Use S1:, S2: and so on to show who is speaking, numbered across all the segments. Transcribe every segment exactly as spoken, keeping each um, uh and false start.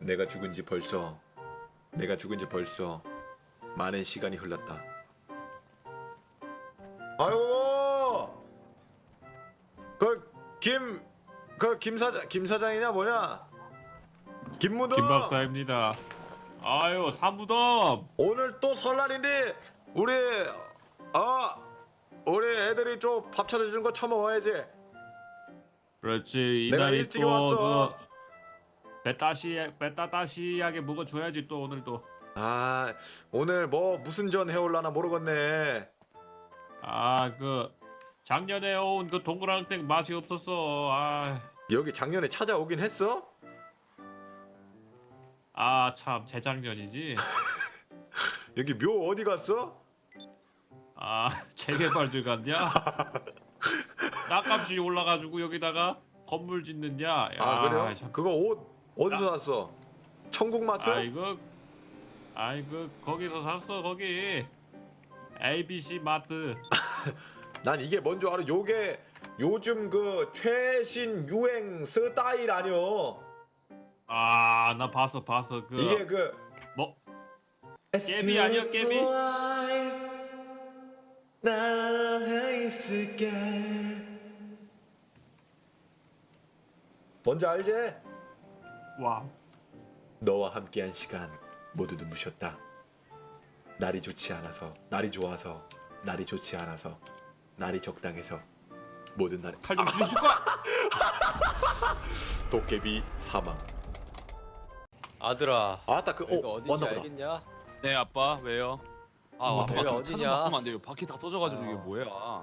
S1: 내가 죽은 지 벌써 내가 죽은 지 벌써 많은 시간이 흘렀다. 아이고 그김그 김 사장 김 사장이냐 뭐냐? 김무덤.
S2: 김 박사입니다. 아유 사무덤.
S1: 오늘 또 설날인데 우리 아 우리 애들이 좀 밥 차려주는 거 처먹어야지.
S2: 그렇지
S1: 내가
S2: 이날이
S1: 일찍 왔어.
S2: 또그 배따시 배따따시하게 먹어줘야지 또 오늘도.
S1: 아 오늘 뭐 무슨 전 해올라나 모르겠네.
S2: 아 그 작년에 온 그 동그랑땡 맛이 없었어. 아.
S1: 여기 작년에 찾아오긴 했어?
S2: 아 참 재작년이지.
S1: 여기 묘 어디 갔어?
S2: 아 재개발 들어갔냐? 땅값이 올라가지고 여기다가 건물 짓느냐? 야,
S1: 아 그래요?
S2: 참.
S1: 그거 옷 어디서 샀어? 천국마트?
S2: 아이고 아이고 거기서 샀어 거기 에이비씨 마트.
S1: 난 이게 뭔 줄 알아? 요게 요즘 그 최신 유행 스타일 아니여.
S2: 아 나 봤어 봤어 그
S1: 이게 그
S2: 뭐 깨비 아니야 깨비?
S1: 뭔지 알지?
S2: 와우.
S1: 너와 함께한 시간 모두 눈부셨다. 날이 좋지 않아서, 날이 좋아서, 날이 좋지 않아서, 날이 적당해서 모든 날에
S2: 칼 좀 주실 거야?
S1: 도깨비 사망.
S3: 아들아,
S1: 아따 그
S3: 여기가
S1: 어,
S3: 어딘지
S1: 왔나 보다.
S3: 알겠냐?
S4: 네 아빠 왜요? 아
S1: 엄마,
S4: 아빠
S1: 여기가
S4: 좀
S3: 어디냐?
S4: 차좀 바꾸면 안 돼요. 바퀴 다 터져가지고
S3: 아.
S4: 이게 뭐야?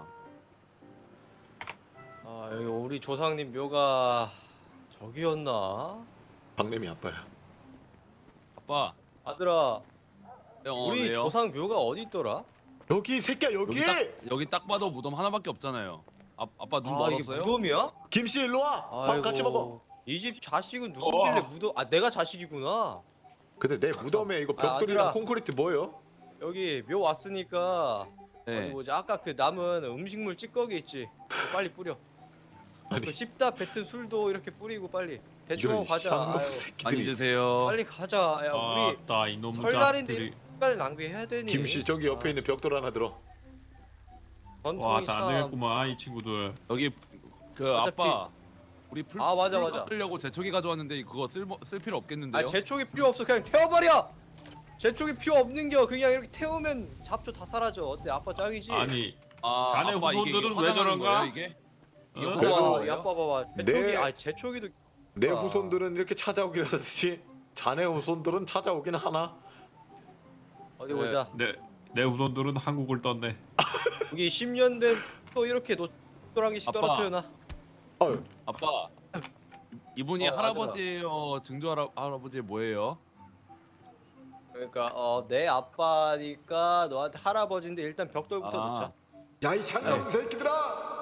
S3: 아, 여기 우리 조상님 묘가 저기였나?
S1: 박래미 아빠야.
S4: 아빠
S3: 아들아,
S4: 네, 어,
S3: 우리
S4: 왜요?
S3: 조상 묘가 어디 있더라?
S1: 여기 새끼야 여기.
S4: 여기 딱 여기 딱 봐도 무덤 하나밖에 없잖아요. 아 아빠 눈
S3: 아, 이게
S4: 멀었어요?
S3: 무덤이야?
S1: 김씨 일로 와. 밥 같이 먹어.
S3: 이 집 자식은 누구길래
S2: 어.
S3: 무덤? 아, 내가 자식이구나.
S1: 근데 내 무덤에 이거
S3: 아,
S1: 벽돌이랑
S3: 아들아.
S1: 콘크리트 뭐요?
S3: 여기 묘 왔으니까 어디
S4: 네.
S3: 뭐지? 아까 그 남은 음식물 찌꺼기 있지? 그거 빨리 뿌려.
S1: 아니.
S3: 그 씹다 뱉은 술도 이렇게 뿌리고 빨리 대충 하고
S1: 이런
S3: 가자.
S1: 쌍놈
S3: 아유,
S4: 많이
S1: 새끼들이.
S4: 드세요.
S3: 빨리 가자. 야, 우리
S2: 아따 이놈의
S3: 설날인데
S2: 자식들이.
S3: 시간을 낭비해야 되니?
S1: 김씨 저기 옆에
S3: 아,
S1: 있는 벽돌 하나 들어.
S3: 전통이
S2: 와나
S3: 참.
S2: 안 되겠구만 이 친구들.
S4: 여기 그
S3: 어차피-
S4: 아빠 우리 풀,
S3: 아, 맞아,
S4: 풀
S3: 맞아.
S4: 깎으려고 제초기 가져왔는데 그거 쓸, 모- 쓸 필요 없겠는데요?
S3: 아, 제촉이 필요 없어. 그냥 태워버려. 제촉이 필요 없는겨. 그냥 이렇게 태우면 잡초 다 사라져. 어때? 아빠 짱이지?
S2: 아니
S4: 아,
S2: 자네
S4: 아빠 이게- 이게
S2: 후손들은 왜
S4: 화장하는
S2: 저런가?
S4: 거예요, 이게? 이게
S2: 어?
S4: 화장하는
S1: 그래도-
S3: 봐봐,
S4: 거예요?
S3: 아빠 봐봐. 제촉이,
S1: 내-
S3: 아, 제촉이도
S1: 내
S3: 아.
S1: 후손들은 이렇게 찾아오긴 하듯이 자네 후손들은 찾아오긴 하나?
S3: 어디
S4: 네.
S3: 보자.
S2: 내 내 후손들은 한국을 떴네.
S3: 여기 십 년 된 또 이렇게 노또랑이씩
S4: 아빠.
S3: 떨어뜨려놔.
S1: 어휴.
S4: 아빠 이분이
S3: 어,
S4: 할아버지예요? 증조 할아, 할아버지 뭐예요?
S3: 그러니까 어, 내 아빠니까 너한테 할아버지인데 일단 벽돌부터
S4: 아.
S3: 놓자.
S1: 야이 장난 새끼들아!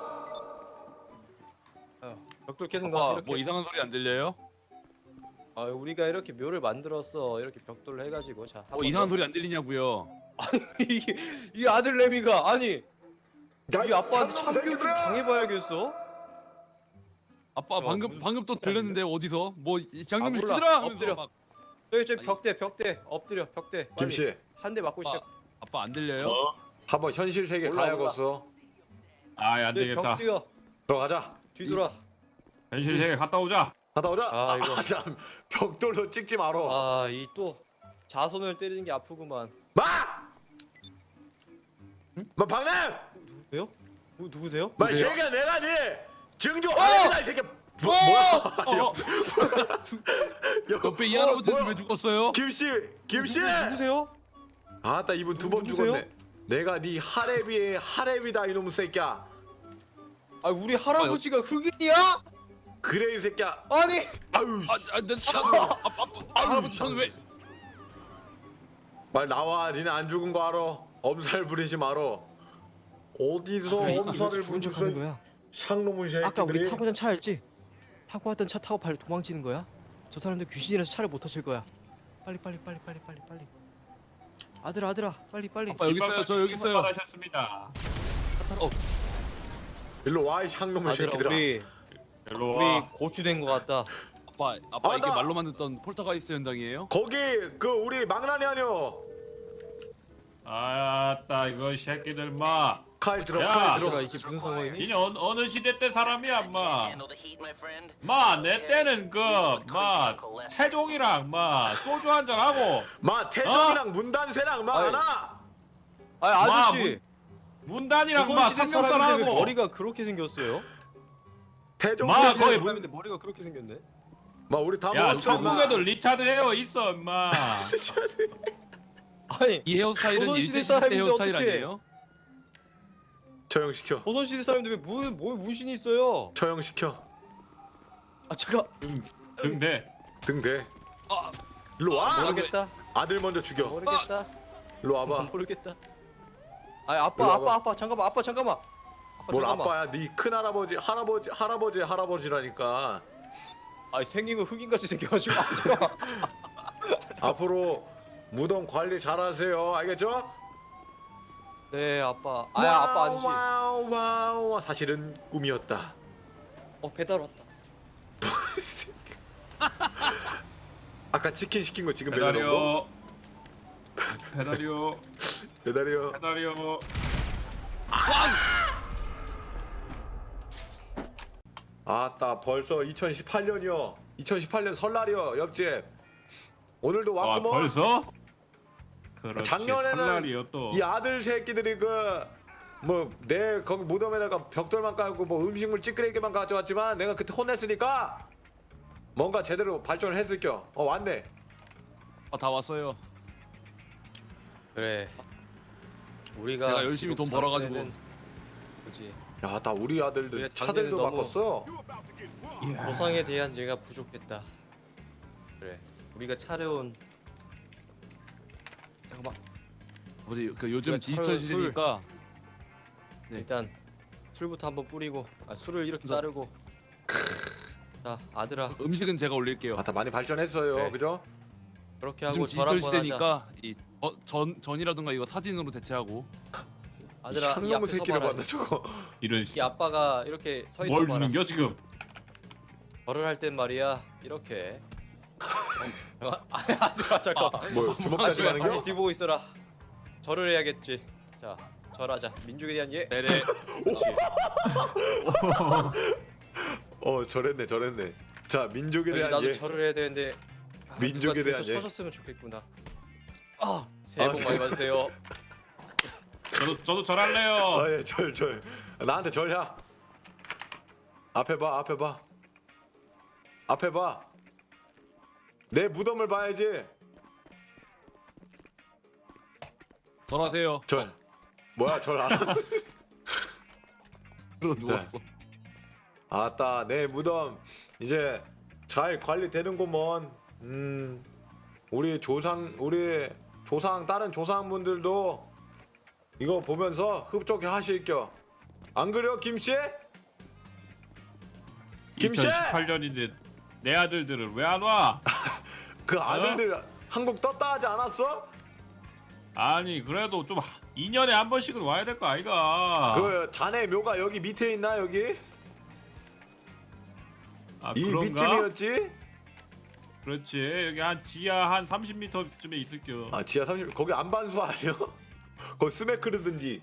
S3: 어, 벽돌 계속 놔.
S4: 아빠
S3: 이렇게.
S4: 뭐 이상한 소리 안 들려요?
S3: 아, 우리가 이렇게 묘를 만들었어. 이렇게 벽돌로 해가지고 자.
S4: 뭐 이상한 소리 안 들리냐고요?
S3: 이게 이 아들 레미가 아니
S1: 야,
S3: 이 아빠한테
S1: 장놈
S3: 참교육 좀
S1: 새끼들아!
S3: 당해봐야겠어.
S4: 아빠
S3: 어,
S4: 방금
S3: 무슨
S4: 방금 또 들렸는데 어디서 뭐 장님
S3: 아, 몰라.
S4: 시키더라 하면서
S3: 엎드려.
S4: 막
S3: 저기 저기
S4: 아니.
S3: 벽대 벽대 엎드려 벽대. 빨리.
S1: 김씨
S3: 한 대 맞고
S4: 아빠,
S3: 시작.
S4: 아빠 안 들려요?
S2: 어?
S1: 한번 현실 세계
S3: 몰라,
S1: 가야겠어.
S2: 아이 안
S3: 저기
S2: 되겠다.
S3: 벽 뛰어.
S1: 들어가자.
S3: 뒤돌아.
S2: 현실 세계 갔다 오자.
S1: 갔다 오자.
S3: 아, 이거.
S1: 참 벽돌로 찍지 마로.
S3: 아, 이 또 자손을 때리는 게 아프구만.
S1: 마! 마 박래!
S3: 누구세요? 누, 누구세요?
S1: 마
S4: 누구세요?
S1: 새끼야 내가 네 증조 할아버지다 이 새끼야. 뭐, 뭐야?
S2: 어,
S4: 옆에 이
S1: 어,
S4: 할아버지는
S1: 뭐야?
S4: 왜 죽었어요?
S1: 김씨, 김씨.
S3: 누구세요?
S1: 아따 이분 두 번
S3: 누구세요?
S1: 죽었네. 내가 네 하레비의 하레비다 이놈 새끼야.
S3: 아, 우리 할아버지가 흑인이야?
S1: 그래 이 새끼야.
S3: 아니.
S1: 아유.
S4: 아, 아, 나, 나, 아빠, 아빠, 할아버지 저는 왜?
S1: 말 나와. 니네 안 죽은 거 알아? 엄살 부리지 말어. 어디서 엄살을
S3: 죽은 척하는 거야?
S1: 샹놈의 새끼들이.
S3: 아까 우리 타고 간 차였지? 타고 왔던 차 타고 빨리 도망치는 거야? 저 사람들 귀신이라서 차를 못 터칠 거야. 빨리 빨리 빨리 빨리 빨리 빨리. 아들아 아들아 빨리 빨리.
S4: 아빠 여기 있어요. 저 여기 있어요.
S2: 하셨습니다.
S1: 일로 와이 샹놈의
S3: 아들아
S1: 새끼들아.
S3: 우리
S2: 일로
S3: 우리
S2: 와.
S3: 고추 된 거 같다.
S4: 아빠 아빠
S1: 아,
S4: 이게
S1: 나-
S4: 말로만 듣던 폴터가이스트 현장이에요?
S1: 거기 그 우리 망나니 아니여.
S2: 아따 이거 새끼들 마.
S1: 칼 들어
S2: 야!
S1: 칼
S3: 들어가
S1: 들어.
S3: 이게 무슨 상황이니?
S2: 이게 어느, 어느 시대 때 사람이야 마. 마 내 때는 그마 태종이랑 마 소주 한잔 하고
S1: 마 태종이랑 문단세랑 마
S3: 아이.
S1: 하나.
S3: 아 아저씨
S2: 문단이랑 마
S3: 조선시대
S2: 삼겹살
S3: 사람인데 왜
S2: 하고.
S3: 머리가 그렇게 생겼어요?
S1: 태종
S2: 마,
S1: 세세
S2: 거의
S1: 문.
S3: 사람인데 머리가 그렇게 생겼네.
S1: 마 우리 다
S2: 야
S1: 먹었어. 마.
S2: 중국에도 리차드 헤어 있어 임마.
S3: 아니
S4: 이 헤어스타일은
S3: 조선시대
S4: 일제 시대
S3: 사람인데
S4: 헤어스타일
S3: 어떡해.
S4: 아니에요?
S1: 처형시켜.
S3: 조선시대 사람인데 왜뭐 문신이 있어요?
S1: 처형시켜.
S3: 아 잠깐
S2: 등대.
S1: 등대.
S4: 아,
S1: 일로 와.
S4: 아,
S3: 모르겠다
S1: 아들 먼저 죽여.
S3: 모르겠다
S1: 일로 와봐.
S3: 모르겠다. 아 아빠
S1: 일로
S3: 아빠
S1: 와봐.
S3: 아빠 잠깐만 아빠 잠깐만. 아빠
S1: 뭘
S3: 잠깐만.
S1: 아빠야? 네 큰 할아버지 할아버지 할아버지 할아버지라니까.
S3: 아 생긴 거 흑인같이 생겨가지고 아, 잠깐만.
S1: 앞으로 무덤 관리 잘하세요. 알겠죠?
S3: 네 아빠. 아야 아빠 아니지.
S1: 와우 와우 와우. 사실은 꿈이었다.
S3: 어 배달 왔다.
S1: 아까 치킨 시킨 거 지금 배달온 거?
S2: 배달이요. 배달이요.
S1: 배달이요.
S2: 배달이요.
S1: 아따 벌써 이천십팔 년이요. 이천십팔 년 설날이요. 옆집. 오늘도
S2: 아
S1: 왔구먼.
S2: 벌써? 그렇지.
S1: 작년에는
S2: 설날이요 또.
S1: 이 아들 새끼들이 그 뭐 내 거기 무덤에다가 벽돌만 깔고 뭐 음식물 찌끄레기만 가져왔지만 내가 그때 혼냈으니까 뭔가 제대로 발전을 했을겨. 어 왔네.
S4: 아, 다 왔어요.
S3: 그래. 우리가
S4: 제가 열심히 돈 벌어가지고.
S3: 그지.
S1: 야, 나 우리 아들들
S3: 우리가
S1: 차들도
S3: 작년에 너무-
S1: 바꿨어.
S3: 보상에 대한 얘가 부족했다. 그래. 우리가 차려온 잠깐만.
S4: 어디 그 요즘
S3: 우리가
S4: 디지털
S3: 차려온
S4: 시대니까 네.
S3: 일단 술부터 한번 뿌리고 아 술을 이렇게 따르고. 자 아들아
S4: 음식은 제가 올릴게요.
S1: 아따 많이 발전했어요.
S3: 네.
S1: 그죠?
S3: 그렇게
S4: 요즘
S3: 하고 절
S4: 디지털
S3: 한번 하자.
S4: 시대니까 이전 전이라든가 이거 사진으로 대체하고.
S3: 아들아 이
S1: 샹놈의
S3: 앞에
S1: 새끼를
S3: 서봐라.
S1: 봤나 저거.
S2: 이런
S3: 이 아빠가 이렇게 서 있어
S2: 뭘
S3: 봐라.
S2: 주는겨 지금?
S3: 절을 할 땐 말이야 이렇게. 어, 아, 아들아 잠깐만.
S1: 뭐 주먹까지
S3: 아저씨가
S1: 가는
S3: 다시
S1: 겨?
S3: 뒤보고 있어라. 절을 해야겠지. 자 절하자. 민족에 대한 예.
S4: 네네.
S1: 어 저랬네 저랬네. 자 민족에
S3: 여기
S1: 대한
S3: 나도
S1: 예.
S3: 절을 해야 되는데 아,
S1: 민족에
S3: 누가
S1: 대한
S3: 뒤에서
S1: 예.
S3: 쳐줬으면 좋겠구나. 아 새해
S1: 아,
S3: 복
S1: 네.
S3: 많이 받으세요.
S2: 저도 저도 절할래요.
S1: 아예절 절. 나한테 절야. 앞에 봐 앞에 봐. 앞에 봐. 내 무덤을 봐야지.
S4: 절하세요.
S1: 절. 뭐야 절 안. 하는-
S4: 그러 누웠어.
S1: 아따 내 무덤 이제 잘 관리되는구먼. 음 우리 조상 우리 조상 다른 조상분들도 이거 보면서 흡족해 하실겨. 안 그래요 김씨? 김씨!
S2: 이천십팔 년인데 내 아들들은 왜 안 와?
S1: 그 아들들 한국 떴다 하지 않았어?
S2: 아니 그래도 좀 이 년에 한 번씩은 와야 될 거 아이가?
S1: 그 자네 묘가 여기 밑에 있나 여기?
S2: 아,
S1: 이
S2: 그런가?
S1: 밑쯤이었지?
S2: 그렇지 여기 한 지하 한 삼십 미터쯤에 있을겨.
S1: 아 지하 삼십 거기 안반수 아니야? 거기 스메크르든지.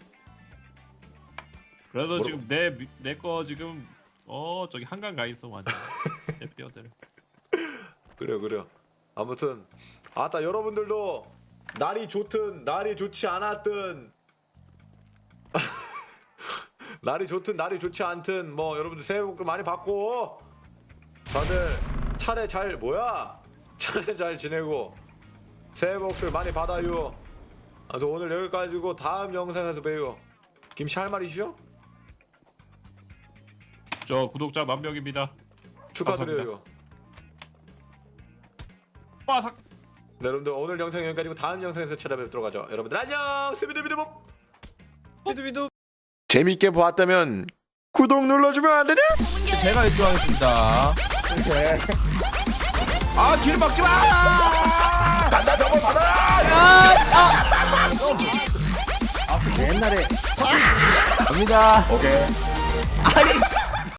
S2: 그래도
S1: 뭐라고?
S2: 지금 내 내 거 지금 어 저기 한강 가 있어 완전. 내 뼈들.
S1: 그래요 그래요. 아무튼 아따 여러분들도 날이 좋든 날이 좋지 않았든 날이 좋든 날이 좋지 않든 뭐 여러분들 새해 복 많이 받고 다들 차례 잘 뭐야 차례 잘 지내고 새해 복들 많이 받아요. 아무튼 오늘 여기까지고 다음 영상에서 봬요. 김씨 할 말 있으셔?
S2: 저 구독자 만 명입니다.
S1: 축하드려요.
S2: 빠삭.
S1: 네, 여러분들 오늘 영상 여기까지고 다음 영상에서 찾아뵙도록 하죠. 여러분들 안녕. 스비드비드복.
S3: 비두비두.
S1: 재밌게 보았다면 구독 눌러주면 안 되냐?
S5: 제가 일 등 하겠습니다.
S1: 아, 길 막지 마! 단다 접어 받아!
S5: 옛날에 갑니다.
S1: 오케이.